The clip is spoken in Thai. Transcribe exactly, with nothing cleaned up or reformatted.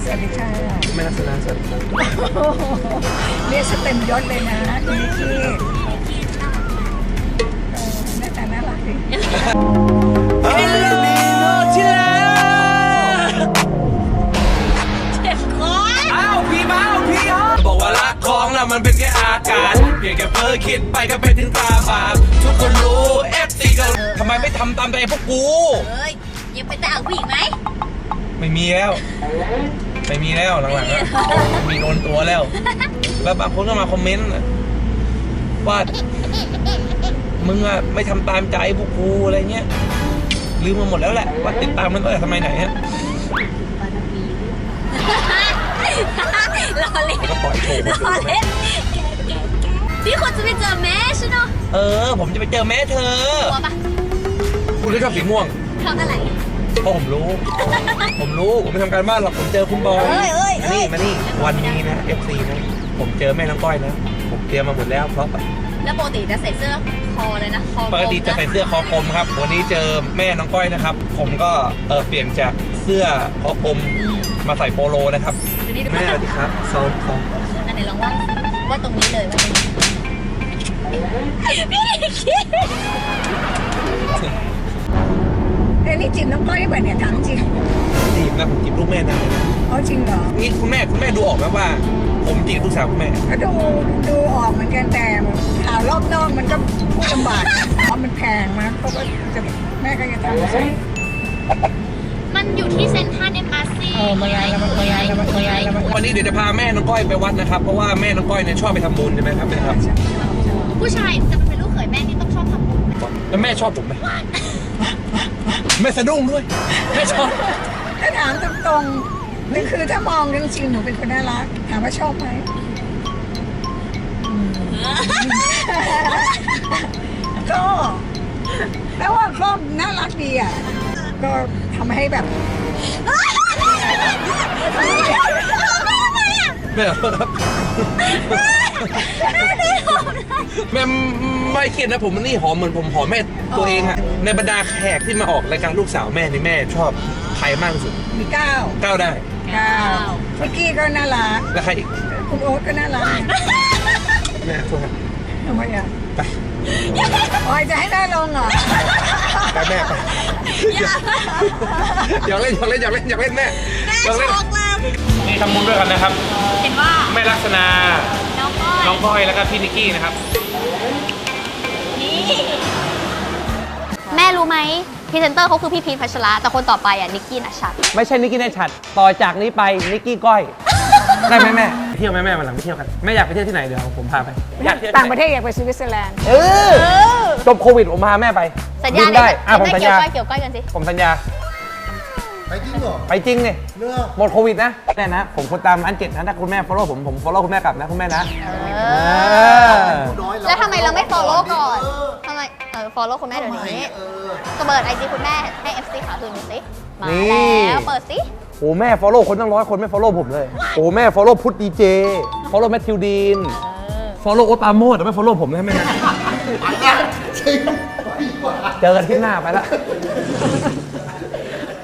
สวัสดีค่ะแม่ลักษณะสวัสดีครับเรียกสเต็มยศเลยนะคุณนิกกี้หน้าตาน่ารักดิฮัลโหลที่รักเจ็บคออ้าวพี่บ้าพี่ฮะบอกว่ารักของเรามันเป็นแค่อาการเพียงแค่เพ้อคิดไปก็เป็นถึงตาบาปทุกคนรู้เอฟซีก็ทำไมไม่ทำตามใจพวกกูเอ้ยยังไปแต่งผู้หญิงไหมไม่มีแล้วไม่มีแล้วหลังๆแล้วมีโดนตัวแล้วแล้วบางคนก็มาคอมเมนต์ว่ามึงอะไม่ทำตามใจพวกกูอะไรเงี้ยลืมมาหมดแล้วแหละว่าติดตามมันตั้งแต่สมัยไหนฮะรอเล่นก็ปล่อยโชว์รอเล่นพี่คนจะไปเจอแม่ใช่ไหมเออผมจะไปเจอแม่เธอกลัวปะคุณก็ชอบสีม่วงชอบอะไรเพราะผมรู้ ผมรู้ผมไปทำการบ้านหรอกผมเจอคุณบอยมานี่มานี่วันนี้นะ เอฟ ซี นะผมเจอแม่น้องก้อยนะผมเตรียมมาหมดแล้วเพราะแล้วปกติจะใส่เสื้อคอเลยนะคอปกติจะใส่เสื้อคอกลมครับวันนี้เจอแม่น้องก้อยนะครับผมก็เออเปลี่ยนจากเสื้อคอกลมมาใส่โปโลนะครับแม่สวัสดีครับซ้อมซ้อมนั่นไหนลองว่าว่าตรงนี้เลยว่าเป็นพี่คิดเอ้นี่จีบน้องก้อยแบบเนี่ยถามจริงจีบนะผมจีบลูกแม่นะอ๋อจริงเหรอนี่คุณแม่คุณแม่ดูออกไหมว่าผมจีบลูกสาวคุณแม่ก็ดูดูออกเหมือนกันแต่ข่าวรอบนอกมันก็พูดลำบากเพราะมันแพงมากเขาก็จะแม่ก็จะทำใช่มันอยู่ที่เซ็นทรัลเอ็มอาร์ซีเออมาย้ายแล้วมาย้ายแล้วมาย้ายแล้ววันนี้เดี๋ยวจะพาแม่น้องก้อยไปวัดนะครับเพราะว่าแม่น้องก้อยเนี่ยชอบไปทำบุญใช่ไหมครับนะครับผู้ชายจะเป็นลูกเขยแม่นี่ต้องชอบทำบุญแล้วแม่ชอบผมไหมแม่สะดุ้งด้วยแม่ชอบถ้าถามตรงๆนี่คือถ้ามองจริงๆหนูเป็นคนน่ารักถามว่าชอบไหมก็แปลว่าก็น่ารักดีอ่ะก็ทำให้แบบแม่ครับแม่ไม่คิดนะผมนี่หอมเหมือนผมหอมแม่ตัวเองอะในบรรดาแขกที่มาออกรายการลูกสาวแม่นี่แม่ชอบใครมากที่สุดมีเก้าเก้าได้เก้ามิกกี้ก็น่ารักแล้วใครอีกคุณโอ๊ตก็น่ารักแม่โทษทำไมอ่ะไปอ๋อจะให้ได้ลงเหรอไปแม่ไปอยากเล่นอยากเล่นอยากเล่นอยากเล่นแม่แม่ช็อกแล้วนี่ทำบุญด้วยกันนะครับเห็นว่าแม่ลักษณะน้องก้อยน้องก้อยแล้วก็พี่นิกกี้นะครับนี่แม่รู้ไหมพรีเซนเตอร์เขาคือพี่พีชพัชระแต่คนต่อไปอ่ะนิกกี้นัชชัดไม่ใช่นิกกี้นัชชัดต่อจากนี้ไปนิกกี้ก้อยได้ไหมแม่เที่ยวไหมแม่วันหลังไปเที่ยวกันแม่อยากไปเที่ยวที่ไหนเดี๋ยวผมพาไปอยากต่างประเทศอยากไปสวิตเซอร์แลนด์เออจบโควิดผมพาแม่ไปสัญญาได้อ่ะผมสัญญาเกี่ยวก้อยกันสิผมสัญญาไปจริงเหรอไปจริงเนี่ยหมดโควิดนะแม่นะผมคนตามอันเจ็ดนะถ้าคุณแม่ follow ผมผม follow คุณแม่กลับนะคุณแม่นะแล้วทำไมเราไม่ follow ก่อนทำไมเออ follow คุณแม่เดี๋ยวนี้ก็เปิดไอจีคุณแม่ให้ เอฟ ซี ขาคืนดูสิมาแล้วเปิดสิโอ้แม่ follow คนตั้งร้อยคนไม่ follow ผมเลยโอ้แม่ follow พุทธดีเจ follow แมทธิวดีน follow โอ๊ตปราโมชแต่ไม่ follow ผมนะแม่นะเจอกันที่หน้าไปละ